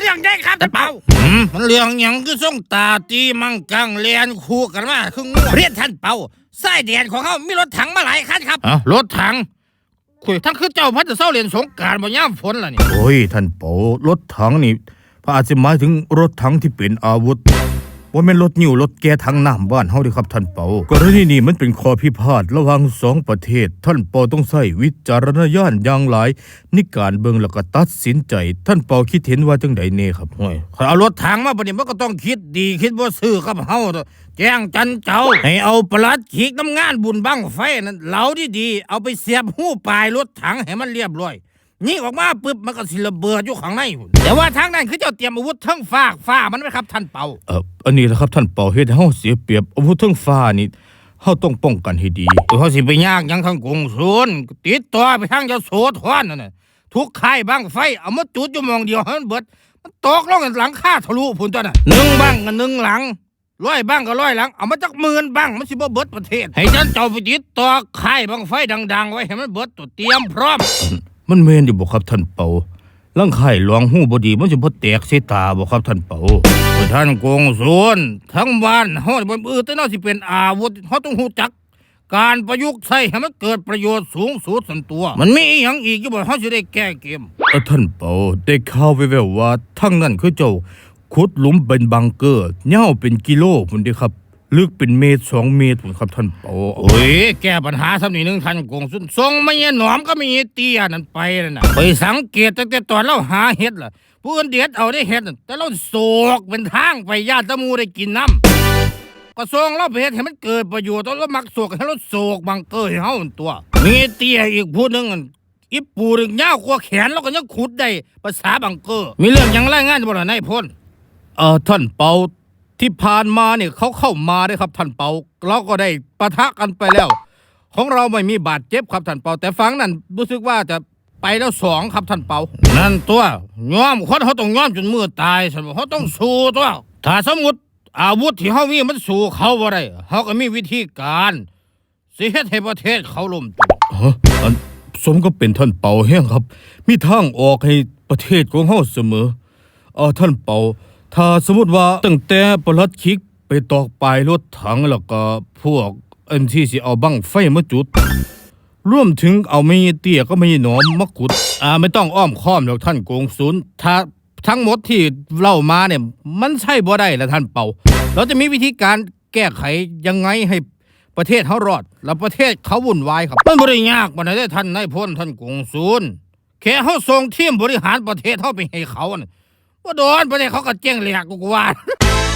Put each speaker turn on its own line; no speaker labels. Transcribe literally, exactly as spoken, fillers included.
รื่องใหญ่ครับท่านเปามันเรื่องหยังคือส่งตาตีมังกังเลียนคู่กันมาคืองูเรียนท่านเปาสายแดนของเขามีรถถังมาหลายคันครับอ๋อรถถังคุยทั้งคือเจ้าพัดจะเศร้าเรียนสงกรานต์บ่ย่ำฝนล่ะนี่
โอ้ยท่านเปารถถังนี่พระอาจจะหมายถึงรถถังที่เป็นอาวุธว่าแม่นรถนิ่วรถแก้ทั้งน้ำบ้านเฮาดิครับท่านเปากรณีนี้มันเป็นข้อพิพาทระหว่างสองประเทศท่านเปาต้องใช้วิจารณญาณอย่างหลายในการเบิ่งแล้วก็ตัดสินใจท่านเปาคิดเห็นว่าจังใดแน่ครับ
โอ้ยเอารถถังมาบัดนี้มันก็ต้องคิดดีคิดบ่ซื่อกับเฮาแจ้งจันเจ้าให้เอาปลัดขีกน้ำงานบุญบั้งไฟนั่นเหลาดีๆเอาไปเสียบหู้ปลายรถถังให้มันเรียบร้อยนี่ออกมาปึ๊บมันก็สิระเบิดอยู่ข้างในแต่ว่าทางนั้นคือเจ้าเตรียมอาวุธทั้งฟ้าฟ้ามันไหมครับท่านเปา
เอออันนี้แหละครับท่านเปาเฮ็ดให้เฮาเสียเปรียบอาวุธทั้งฟ้านี่เฮาต้องป้องกันให้ดี
เฮาสิไปยากยังทางกงศูนย์ติดต่อไปทางยโสธรนั่นน่ะทุกค่ายบั้งไฟเอามาจุดอยู่มองเดียวให้มันเบิดมันตกลงหลังคาทะลุพุ่นตัวน่ะหนึ่งบั้งกับหนึ่งหลังร้อยบั้งก็ร้อยหลังเอามาจากหมื่นบั้งมันสิบ่เบิดประเทศให้ท่านเจ้าไปติดต่อค่ายบั้งไฟดังๆไว้ให้มันเบิดตัวเตรียมพร้อม
มันแม่นอยู่บ่ครับท่านเปาลังไข่หลวงหูบ่ดีมันสิบ่แตกใส่ตาบ่ครับท่านเปา
ท่านกงศูนย์ทั้งบ้านเฮาบ่อื่นแต่น่าสิเป็นอาวุธเฮาต้องรู้จักการประยุกต์ใช้ให้มันเกิดประโยชน์สูงสุดส่วนตัวมันมีอีหยังอีกอยู่บ่เฮาสิได้แก้เกม
เออท่านเปาได้ข่าวแว่วๆว่าทั้งนั้นคือเจ้าขุดหลุมเป็นบังเกอร์ยาวเป็นกิโลพุ่นเด้ครับลึกเป็นเมตรสองเมตรพุ่นครับท่านเปา
โอ้ยแก้ปัญหาซำนี้นึงท่านกงศูนย์ส่งมาเยหนอมก็มีเตี้ยนั่นไปนั่นน่ะไปสังเกตตั้งแต่ตอนเราหาเห็ดล่ะผู้อื่นเด็ดเอาได้เห็ดแต่เราโศกเป็นทางไปญาติตะมูได้กินน้ำก็ส่งเราไปเฮ็ดให้มันเกิดประโยชน์เรามักโศกให้เราโศกบังเกอร์ให้เฮาตัวมีเตี้ยอีกผู้นึงอีปูนึงยาวกว่าแขนแล้วก็ยังขุดได้ภาษาบังเกอร์มีเรื่องหยังรายงานบ่ล่ะนายพล
เอ่อท่านเปาที่ผ่านมาเนี่ยเขาเข้ามาได้ครับท่านเปาเราก็ได้ปะทะกันไปแล้วของเราไม่มีบาดเจ็บครับท่านเปาแต่ฝั่งนั้นรู้สึกว่าจะไปแล้วสองครับท่านเปา
นั่นตัวยอมคนเขาต้องยอมจนมือตายซั่นบ่เขาต้องสู้ตัวถ้าสมมุติอาวุธที่เฮามีมันสู้เขาบ่ได้เฮาก็มีวิธีการสิเฮ็ดให้ประเทศเขาล่มตัว
ฮะอันสมก็เป็นท่านเปาแฮงครับมีทางออกให้ประเทศของเฮาเสมอเออท่านเปาถ้าสมมติว่าตั้งแต่ปลัดคิกไปตอกปลายรถถังแล้วก็พวกอันที่สิเอาบั้งไฟมาจุดรวมถึงเอาไม่เตี้ยก็ไม่หนอมมะกุดอ่าไม่ต้องอ้อมค้อมหรอกท่านกงศูนย์ถ้าทั้งหมดที่เล่ามาเนี่ยมันใช่บ่ได้ละท่านเปาเราจะมีวิธีการแก้ไขยังไงให้ประเทศเขารอดแล้วประเทศเขาวุ่นวายครับ
มันบ่ได้ยากปานใดท่านนายพลท่านกงศูนย์แค่เฮาส่งทีมบริหารประเทศเฮาไปให้เขาน่ะบ่โดนประเทศเขาก็เจ๊งแหลกกูว่า